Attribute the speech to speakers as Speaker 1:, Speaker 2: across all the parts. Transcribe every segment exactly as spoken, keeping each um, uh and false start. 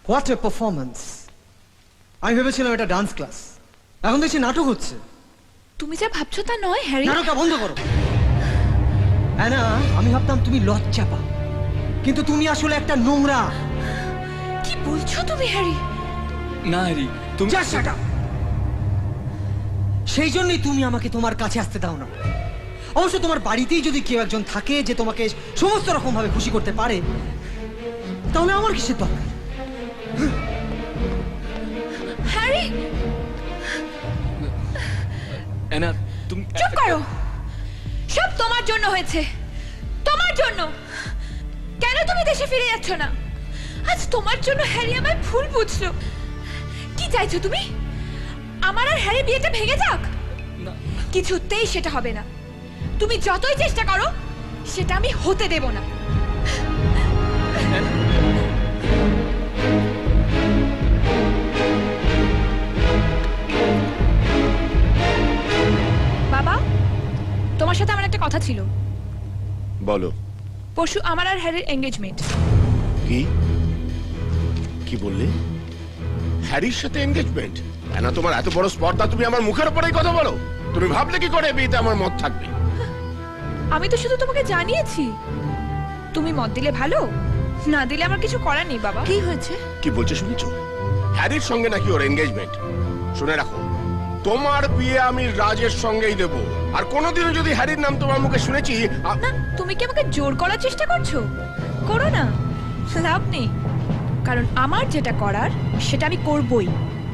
Speaker 1: What a performance! আমি ভেবেছিলাম এটা ডান্স ক্লাস, এখন দেখছি নাটক হচ্ছে।
Speaker 2: তুমি যা ভাবছো তা নয় হ্যারি।
Speaker 1: নাটকটা বন্ধ করো। অ্যানা, আমি ভাবতাম তুমি লজ্জা পাও, কিন্তু তুমি আসলে একটা নোংরা।
Speaker 2: কি বলছো তুমি হ্যারি?
Speaker 3: না হ্যারি, তুমি
Speaker 1: Just shut up! সেই জন্যই তুমি আমাকে তোমার কাছে আসতে দাও না। অবশ্য তোমার বাড়িতেই যদি কেউ একজন থাকে যে তোমাকে সমস্ত রকম ভাবে খুশি করতে পারে, তাহলে আমার কিসের দরকার?
Speaker 2: হ্যারি
Speaker 3: অ্যানা, তুমি
Speaker 2: চুপ করো। সব তোমার জন্য হয়েছে, তোমার জন্য। কেন তুমি দেশে ফিরে যাচ্ছ না? আজ তোমার জন্য হ্যারি আমায় ভুল বুঝলো। কি চাইছো তুমি? আমার আর হ্যারি বিয়েটা ভেঙে যাক?
Speaker 3: না।
Speaker 2: কিছুতেই সেটা হবে না। তুমি যতই চেষ্টা করো, সেটা আমি হতে দেব না। বাবা, তোমার সাথে আমার একটা কথা ছিল।
Speaker 4: বলো।
Speaker 2: পরশু আমার আর হ্যারির এঙ্গেজমেন্ট।
Speaker 4: কি কি বললে? হ্যারির সাথে এনগেজমেন্ট? না, তোমার এত বড় স্পর্ধা, তুমি আমার মুখের উপরেই কথা বলো। তুমি ভাবলে কি করে বিয়েতে আমার মত থাকবে?
Speaker 2: আমি তো শুধু তোমাকে জানিয়েছি। তুমি মত দিলে ভালো, না দিলে আমার কিছু করার নেই। বাবা, কি হয়েছে?
Speaker 4: কি বলছে শুনেছো? হ্যারির সঙ্গে নাকি ওর এনগেজমেন্ট। শুনে রাখো, তোমার বিয়ে আমি রাজের সঙ্গেই দেব। আর কোনোদিনও যদি হ্যারির নাম তোমার মুখে শুনেছি আ-
Speaker 2: না, তুমি কি আমাকে জোর করার চেষ্টা করছো? করো না, লাভ নেই। কারণ আমার যেটা করার সেটা আমি করবই।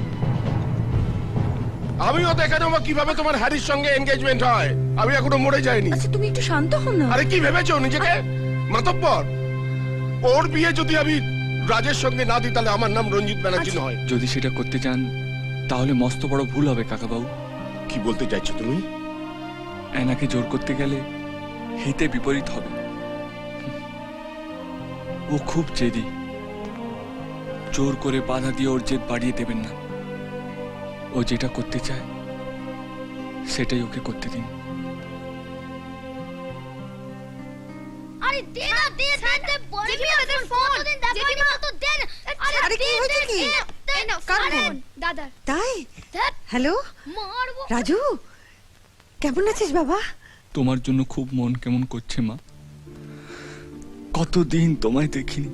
Speaker 4: আমিও দেখে নেবো কিভাবে তোমার হ্যারির সঙ্গে এনগেজমেন্ট হয়। আমি এখনো মরে যাইনি।
Speaker 2: আচ্ছা, তুমি একটু শান্ত হও না।
Speaker 4: আরে কি ভেবেছো নিজেকে মাতব্বর? ওর বিয়ে যদি আমি রাজের সঙ্গে না দিই, তাহলে আমার নাম রঞ্জিত ব্যানার্জি নয়।
Speaker 3: যদি সেটা করতে চান তাহলে মস্ত বড় ভুল হবে কাকাবাবু।
Speaker 4: কি বলতে চাইছো তুমি?
Speaker 3: অ্যানাকে জোর করতে গেলে হিতে বিপরীত হবে। ও খুব জেদি। জোর করে বাধা দিয়ে ওর জেদ বাড়িয়ে দেবেন না। ও যেটা করতে চায় সেটাই ওকে করতে দিন।
Speaker 5: আরে দে না, দে দে দে, বলবি আমাদের ফোন দিন, জেঠিমা তো দেন।
Speaker 6: আরে কি হয়েছে কি? কার ফোন?
Speaker 5: দাদা
Speaker 6: তাই?
Speaker 5: ধ্যাৎ,
Speaker 6: হ্যালো
Speaker 5: মারবো।
Speaker 6: রাজু, কেমন আছিস বাবা?
Speaker 3: তোমার জন্য খুব মন কেমন করছে মা। কতদিন তোমায় দেখিনি।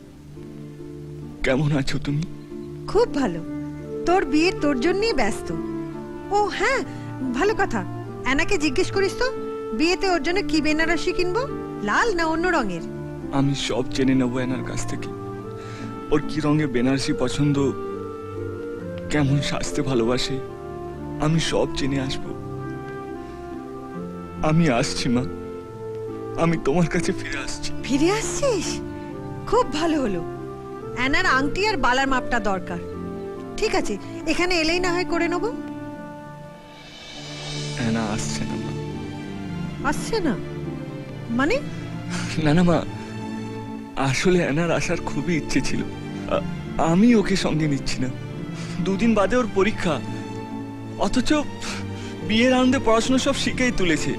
Speaker 3: কেমন আছো তুমি?
Speaker 6: খুব ভালো। তোর বিয়ে তোর জন্যই ব্যস্ত। ও হ্যাঁ, ভালো কথা। অ্যানাকে জিজ্ঞেস করিস তো বিয়েতে ওর জন্য কি বেনারসি কিনবো, লাল না অন্য রঙের?
Speaker 3: আমি সব জেনে নেবো এনার কাছ থেকে। ওর কি রঙে বেনারসি পছন্দ, কেমন সাজতে ভালোবাসে, আমি সব জেনে আসবো। আমি আসছি মা, আমি তোমার কাছে ফিরে আসছি।
Speaker 6: ফিরে আসছিস? খুব ভালো হলো। অ্যানার আংটি আর বালার মাপটা দরকার। ঠিক আছে, এখানে এলেই না হয় করে নেবো।
Speaker 3: এনা আসছে না মা।
Speaker 6: আসছে না মানে?
Speaker 3: না না মা, আসলে এনার আসার খুবই ইচ্ছে ছিল। আ- আমি ওকে সঙ্গে নিচ্ছি না। দুদিন বাদে ওর পরীক্ষা, অথচ বিয়ের আনন্দে পড়াশোনা সব শিখেই তুলেছে।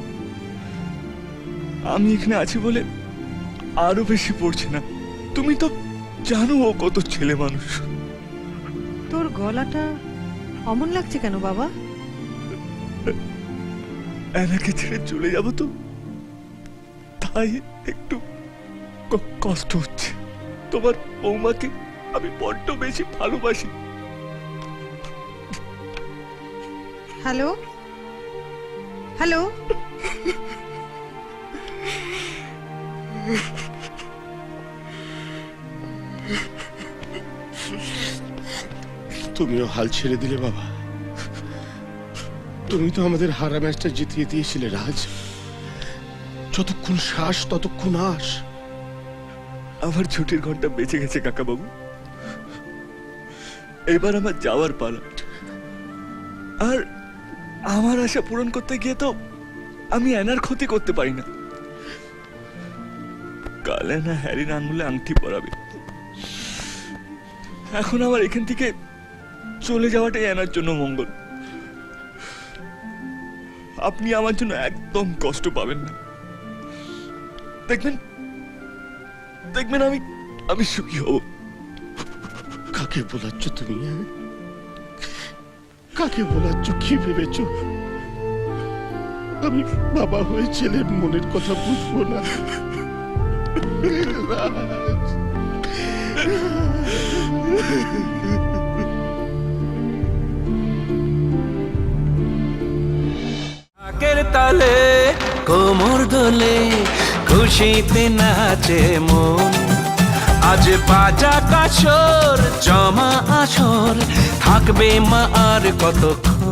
Speaker 3: আমি এখানে আছি বলে আরো বেশি পড়ছে না। তুমি তো জানো ও কত ছেলে মানুষ।
Speaker 6: তোর গলাটা অমন লাগছে কেন বাবা?
Speaker 3: এনাকে ছেড়ে চলে যাব তো, তাই একটু ক- কষ্ট হচ্ছে। তোমার বৌমাকে আমি বড্ড বেশি ভালোবাসি।
Speaker 6: হ্যালো হ্যালো
Speaker 4: তুমিও হাল ছেড়ে দিলে বাবা। তুমি তো আমাদের হারা ম্যাচটা জিতিয়ে দিয়েছিলে রাজ। যতক্ষণ শ্বাস ততক্ষণ আস।
Speaker 3: আমার ছুটির ঘন্টা বেঁচে গেছে কাকাবাবু। এবার আমার যাওয়ার পালা। আর আমার আশা পূরণ করতে গিয়ে তো আমি এনার ক্ষতি করতে পারি না। কাল এনা হ্যারির আঙুলে আংটি পরাবে। এখন আমার এখান থেকে চলে যাওয়াটাই এনার জন্য মঙ্গল। আপনি আমার জন্য একদম কষ্ট পাবেন না। দেখবেন দেখবেন আমি আমি সুখী হব।
Speaker 4: কাকে বোলাচ্ছ তুমি হ্যাঁ? কাকে বোলাচ্ছ? কি ভেবেছ আমি বাবা হয়ে ছেলের মনের কথা বুঝবো না? রাজ,
Speaker 7: ঢাকের তালে কোমর দোলে খুশিতে নাচে মন, আজ বাজা কাছর জমা আসর থাকবে মা আর কতক্ষণ।